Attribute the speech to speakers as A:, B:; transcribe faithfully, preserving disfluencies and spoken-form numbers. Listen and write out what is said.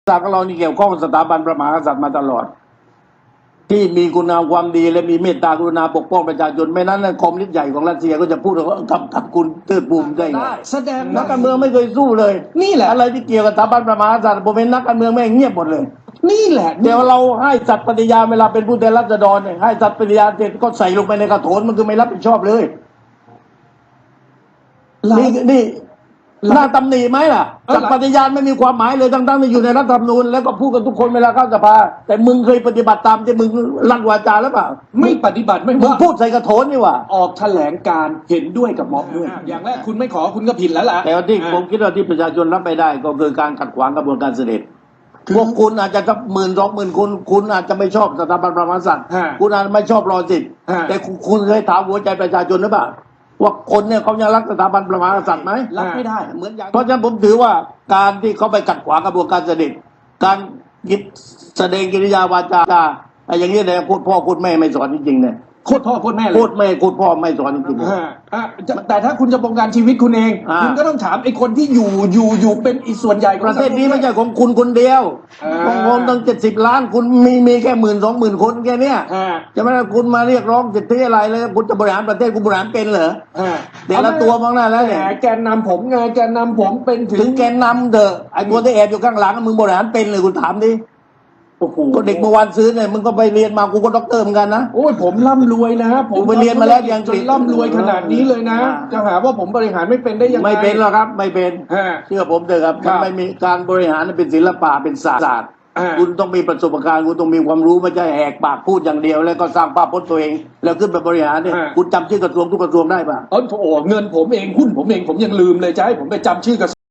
A: ศาสตร์ของเรานี่เกี่ยวข้องกับสถาบันพระมหากษัตริย์มาตลอดที่มีคุณงามความดีและมีเมตตากรุณาปกป้องประชาชนไม่นั้นคอมมิวนิสต์ใหญ่ของรัสเซียก็จะพูดว่ากับกับคุณเติร์ดบูมได้ไง
B: แสดง
A: นักการเมืองไม่เคยสู้เลย
B: นี่แหละ
A: อะไรที่เกี่ยวกับสถาบันพระมหากษัตริย์ผมเป็นนักการเมืองแม่งเงียบหมดเลย
B: นี่แหละ
A: เดี๋ยวเราให้สัตย์ปฏิญาณเวลาเป็นผู้แทนราษฎรเนี่ยให้สัตย์ปฏิญาณเสร็จก็ใส่ลงไปในกระโถนมันคือไม่รับผิดชอบเลยนี่นี่น่าตำหนิไหมล่ะสัตย์ปฏิญาณไม่มีความหมายเลยทั้งๆที่อยู่ในรัฐธรรมนูญแล้วก็พูดกันทุกคนเวลาเข้าสภาแต่มึงเคยปฏิบัติตามที่มึงลั่นวาจาหรือเปล่า
B: ไม่ปฏิบัติไม่
A: มึง
B: ว่า
A: พูดใส่กระโถนนี่หว่า
B: ออกแถลงการเห็นด้วยกับม็อบด้วย อย่างแรกคุณไม่ขอคุณก็ผิดแล้วล่ะ
A: แต่ว่าที่ผมคิดว่าที่ประชาชนรับไม่ได้ก็คือการขัดขวางกระบวนการเสด็จพวกคุณอาจจะสักหมื่นสองหมื่นคนคุณอาจจะไม่ชอบสถาบันพระมหากษัตริย์คุณอาจจะไม่ชอบรอสิทธิ์แต่คุณเคยถามหัวใจประชาชนหรือเปล่าว่าคนเนี่ยเขายังรักสถาบันพระมหากษัตริย์ไหม
B: รับไม่ได้
A: เหมือนอย่างเพราะฉะนั้นผมถือว่าการที่เขาไปขัดขวางกระบวนการเสด็จการหยิบแสดงกิริยาวาจาอะไรอย่างนี้เนี่ยพูดพ่อพูดแม่ไม่สอนจริงๆเนี่ย
B: โคตรพ่อโคตรแม่เลย
A: พูดแม่พูดพ่อไม่สอนจริงๆ
B: อ่าอ่าจะแต่ถ้าคุณจะบงการชีวิตคุณเอง
A: อ่า
B: คุณก็ต้องถามไอ้คนที่อยู่อยู่อยู่เป็นอีส่วนใหญ่ของ
A: ประเทศนี้
B: สังค
A: ไม่ใช่ของคุณคนเดียว
B: อ่า
A: ของผมตั้งเจ็ดสิบล้านคุณมีมีแค่หมื่นสองหมื่นคนแค่เนี้ย
B: อ่า
A: จะไม่ได้คุณมาเรียกร้องสิทธิอะไรเลยคุณจะบริหารประเทศคุณบริหารเป็นเหรอ
B: อ่า
A: เดี๋ยวละตัวมองหน้าแล้วเนี่ย
B: แหมแกนนำผมไงแกนนำผมเป็นถึ
A: ถึ
B: ง
A: งแกนนำเถอะไอ้คนที่แอบอยู่ข้างหลังมึงบริหารเป็นเลยคุณถามดิ
B: โอ้โห
A: ก็เด็กเมื่อวานซื้อเนี่ยมึงก็ไปเรียนมากูก็ด็อกเตอร์เหมือนกันนะ
B: โอ้ยผมร่ำรวยนะผม
A: ผมไปเรียนมาแล้วที่อังกฤษ
B: จนร่ำรวยขนาดนี้เลยนะ
A: อ่า
B: จะหาว่าผมบริหารไม่เป็นได้ยังไง
A: ไม่เป็นหรอกครับไม่เป็น
B: อ่า
A: เชื่อผมเถอะครับ
B: ครั
A: มัน
B: บ
A: ไม่มีการบริหารเป็นศิลปะเป็นศาสตร์
B: อ่า
A: คุณต้องมีประสบการณ์คุณต้องมีความรู้ไม่ใช่แหกปากพูดอย่างเดียว แล้วก็สร้างภาพพจน์ตัวเอง แล้วขึ้นไปบริหารเนี่ยคุณจำชื่อกระทรวงทุกกระทรวงได้ป่ะ
B: เออโอ้เงินผมเองหุ้นผมเองผมยังลืมเลยจะให้ผมไปจำชื่อกระ